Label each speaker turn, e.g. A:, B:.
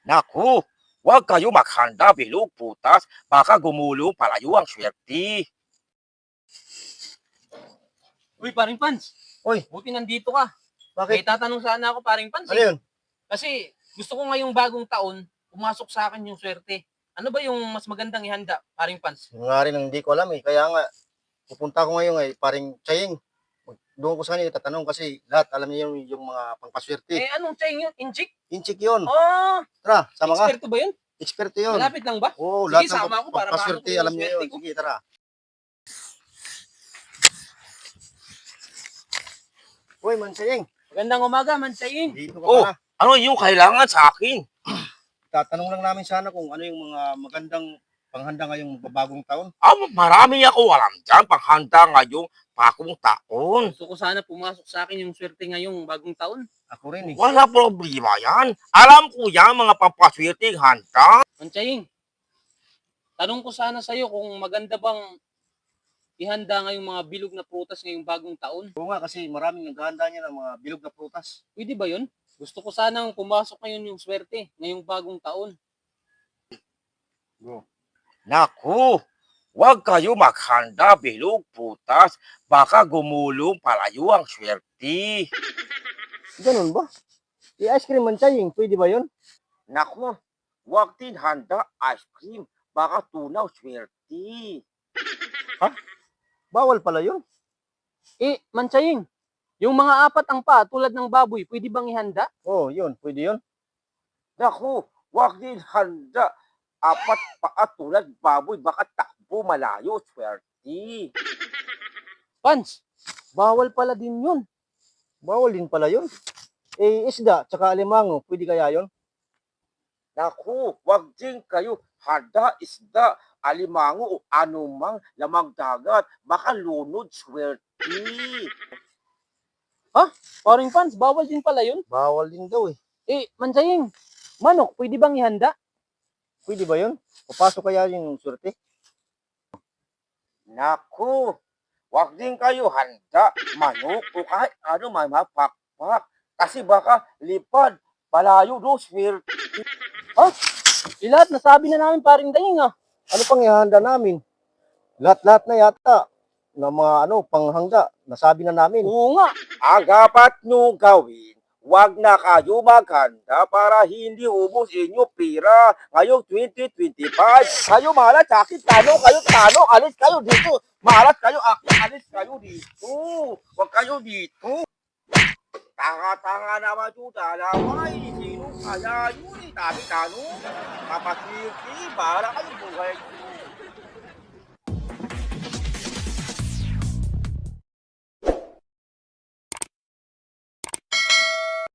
A: Naku, huwag kayo maghanda bilog putas, baka gumulong palayo ang swerte.
B: Uy, paring Pans.
C: Uy,
B: Buti nandito ka. May
C: bakit?
B: tatanong sana ako, paring Pans.
C: Ano yun?
B: Kasi gusto ko ngayong bagong taon, pumasok sa akin yung swerte. Ano ba yung mas magandang ihanda, paring Pans?
C: Yung nga rin ang hindi ko alam eh. Kaya nga, pupunta ko ngayon eh, paring Chaying. Doon ko sa kanila tatanong kasi lahat alam niya yung mga pangpaswerte.
B: Eh, anong chain yun? Inchik?
C: Inchik yun.
B: Oh,
C: Tara, sama ka.
B: eksperto ba yun?
C: Eksperto yun.
B: Malapit lang ba?
C: Oo,
B: Sige,
C: lahat ng
B: sama ako para
C: pangpaswerte
B: maano ko yung
C: alam niya
B: swerte
C: yun.
B: ko.
C: Sige, tara. Uy, Man Chaying.
B: Magandang umaga, Mansayin.
C: Dito ka
A: Oh,
C: pala.
A: ano yung kailangan sa akin?
C: Tatanong lang namin sana kung ano yung mga magandang panghanda ngayong bagong taon.
A: Marami ako alam dyan panghanda ngayong bagong taon.
B: Gusto ko sana pumasok sa akin yung swerte ngayong bagong taon.
C: Ako rin eh.
A: Wala problema yan. Alam ko yan mga pampaswerteng handa.
B: Mansayin, tanong ko sana sa'yo kung maganda bang ihanda ngayong mga bilog na prutas ngayong bagong taon.
C: Oo nga kasi maraming naghahanda niya ng mga bilog na prutas.
B: Pwede ba yun? Gusto ko sanang pumasok ngayon yung swerte ngayong bagong taon.
C: Go.
A: Naku, huwag kayo maghanda bilog putas, baka gumulong palayo ang swerte.
C: Ganun ba? I-ice cream Man Chaying, pwede ba yun?
A: Naku, huwag din handa ice cream, baka tunaw swerte.
C: Bawal pala yun.
B: Eh, Manchaying, yung mga apat ang paa tulad ng baboy, pwede bang ihanda?
C: Oo, yun. Pwede yun.
A: Naku, huwag din handa apat paa tulad baboy, baka takbo malayo swerte.
B: Pans, bawal pala din yun.
C: Bawal din pala yun. Eh, isda, tsaka alimango, pwede kaya yun?
A: Naku, huwag din kayo handa isda, alimango o anumang lamang dagat, baka lunod swerte.
B: Paring Pans, bawal din pala yun.
C: Bawal din daw eh.
B: Eh, Manchaying, manok, pwede bang ihanda?
C: Pwede ba yun? Papasok kaya yung surte?
A: Naku, huwag din kayo handa manok o kahit ano may mapakpak, kasi baka lipad, palayo do swerte.
B: Eh, lahat nasabi na namin paring Daying ah.
C: Ano pang ihanda namin? Lahat-lahat na yata na mga panghanda, nasabi na namin.
B: Oo nga.
A: Ang dapat nyo gawin, huwag na kayo maghanda para hindi ubos inyo pera ngayong 2025. Kayo malas sa akin, tanong, alis kayo dito. Malas kayo, alis kayo dito. Huwag kayo dito. Tanga-tanga naman yung dalawa eh. Sino kaya yun eh? Dami tanong. Kapasirti, para kayo buhay.